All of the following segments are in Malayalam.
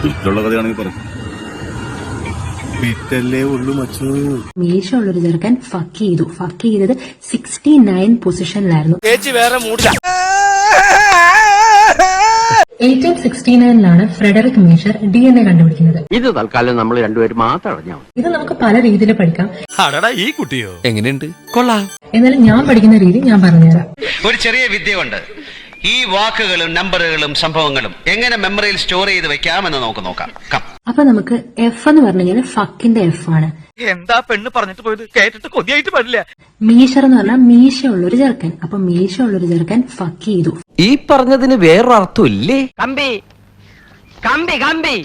ഇഷ്ടമുള്ള കഥയാണെങ്കിൽ പറഞ്ഞു പിറ്റല്ലേ ഉള്ളു മച്ചു. മീശ ഉള്ളൊരു ചെറുക്കൻ ഫക്ക് ചെയ്തത് 69 പൊസിഷനിലായിരുന്നു. 1869 ഫ്രെഡറിക് മീഷർ DNA കണ്ടുപിടിക്കുന്നത്. ഇത് തൽക്കാലം നമ്മൾ രണ്ടുപേരും മാത്രം അറിഞ്ഞാൽ ഇത് നമുക്ക് പല രീതിയിൽ പഠിക്കാം. ഈ കുട്ടിയോ എങ്ങനെയുണ്ട്? കൊള്ളാം. എന്നാലും ഞാൻ പഠിക്കുന്ന രീതി ഞാൻ പറഞ്ഞുതരാം. ഒരു ചെറിയ വിദ്യയുണ്ട്. ഈ വാക്കുകളും നമ്പറുകളും സംഭവങ്ങളും എങ്ങനെ മെമ്മറിയിൽ സ്റ്റോർ ചെയ്ത് വെക്കാമെന്ന് നമുക്ക് നോക്കാം. അപ്പൊ നമുക്ക് എഫ് എന്ന് പറഞ്ഞു കഴിഞ്ഞാൽ ഫക്കിന്റെ എഫ് ആണ്. എന്താ പെണ്ണ് പറഞ്ഞിട്ട് പോയത്? കേട്ടിട്ട് കൊതിയായിട്ട് പാടില്ല. മീശർ എന്ന് പറഞ്ഞാൽ മീശ ഉള്ളൊരു ചെറുക്കൻ. അപ്പൊ മീശ ഉള്ളൊരു ചെറുക്കൻ ഫക്ക് ചെയ്തു. ഈ പറഞ്ഞതിന് വേറൊരു അർത്ഥം ഇല്ലേ? കമ്പി കമ്പി കമ്പി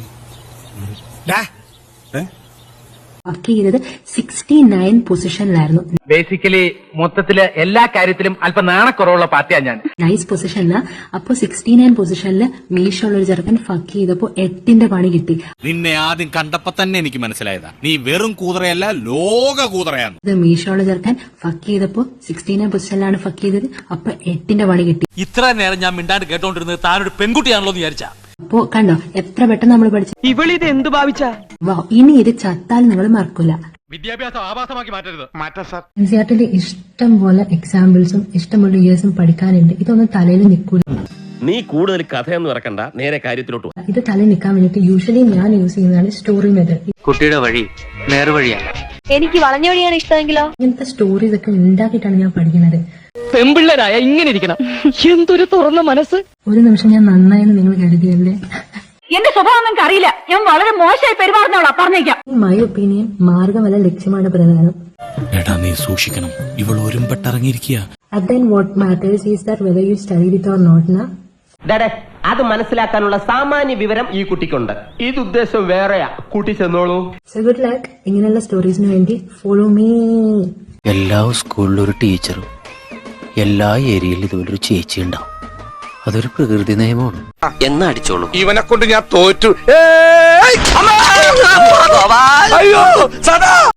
ഫക്ക് ചെയ്തത് 69 പൊസിഷനിലായിരുന്നു. ബേസിക്കലി മൊത്തത്തില് എല്ലാ കാര്യത്തിലും അല്പം നാണക്കുറവുള്ള പാർട്ടിയാണ് ഞാൻ. നൈസ് പൊസിഷനില. അപ്പൊ 69 പൊസിഷനിൽ മീശ ഉള്ളൊരു ചെറുക്കൻ ഫക്ക് ചെയ്തപ്പോ 8ന്റെ പണി കിട്ടി. നിന്നെ ആദ്യം കണ്ടപ്പോ തന്നെ എനിക്ക് മനസ്സിലായതാ നീ വെറും കൂതറയല്ല, ലോക കൂതറയാണ്. ഇത് മീശ ഉള്ള ചെറുക്കൻ ഫക്ക് ചെയ്തപ്പോ 69 പൊസിഷനിലാണ് ഫക്ക് ചെയ്തത്. അപ്പൊ 8ന്റെ പണി കിട്ടി. ഇത്ര നേരം ഞാൻ മിണ്ടാണ്ട് കേട്ടോണ്ടിരുന്നത് താനൊരു പെൺകുട്ടിയാണല്ലോ എന്ന് വിചാരിച്ചാ. അപ്പോ കണ്ടോ എത്ര പെട്ടെന്ന് നമ്മൾ പഠിച്ചു. ഇവളിത് എന്ത് ഭാവിച്ചാ? വാ, ഇനി ഇത് ചത്താൽ നിങ്ങൾ മറക്കൂല. വിദ്യാഭ്യാസം ആഭാസമാക്കി മാറ്റരുത്. എൻസിആർടിയിൽ ഇഷ്ടം പോലെ എക്സാമ്പിൾസും ഇഷ്ടംപോലെ ഇയേഴ്സും പഠിക്കാനുണ്ട്. ഇതൊന്നും തലയിൽ നിൽക്കൂല. നീ കൂടുതൽ കഥയൊന്നും ഇറക്കണ്ട, നേരെ കാര്യത്തിലോട്ട്. ഇത് തലയിൽ നിൽക്കാൻ വേണ്ടിട്ട് യൂഷ്വലി ഞാൻ യൂസ് ചെയ്യുന്നതാണ് സ്റ്റോറി മെത്തേഡ്. കുട്ടിയുടെ വഴി നേർവഴിയല്ല. എനിക്ക് വളഞ്ഞ വഴിയാണ് ഇഷ്ടമെങ്കിലോ? ഇങ്ങനത്തെ സ്റ്റോറീസ് ഒക്കെ ഉണ്ടാക്കിയിട്ടാണ് ഞാൻ പഠിക്കുന്നത്. പെമ്പിള്ളേരായ ഇങ്ങനെ ഇരിക്കണം. എന്തൊരു തുറന്ന മനസ്സ്. ഒരു നിമിഷം ഞാൻ നന്നായെന്ന് നിങ്ങൾ കരുതിയല്ലേ? എന്റെ സ്വഭാവം നിങ്ങൾക്ക് അറിയില്ല. ഞാൻ വളരെ മോശമായി പെരുമാറുന്നവളാ, പറഞ്ഞേക്കാം. മൈ ഒപ്പീനിയൻ മാർഗമല്ല ലക്ഷ്യമാണ് പ്രധാനം. എടാ നീ സൂക്ഷിക്കണം, ഇവൾ ഒരുമ്പെട്ടിറങ്ങിയിരിക്കുക. then what matters is that whether you studied it or not na. അത് മനസ്സിലാക്കാനുള്ള സാമാന്യ വിവരം ഈ കുട്ടിക്കുണ്ട്. ഇത് ഉദ്ദേശം വേറെയാ. കൂട്ടി ചെന്നോളൂ. So good luck. ഇങ്ങനെയുള്ള സ്റ്റോറീസിന് വേണ്ടി ഫോളോ മീ. എല്ലാ സ്കൂളിലും ഒരു ടീച്ചറും എല്ലാ ഏരിയയിലും ഇതുപോലൊരു ചേച്ചി ഉണ്ടാവും. അതൊരു പ്രകൃതി നിയമമാണ്. എന്നാ അടിച്ചോളൂ. ഇവനെ കൊണ്ട് ഞാൻ തോറ്റു. അയ്യോ സദാ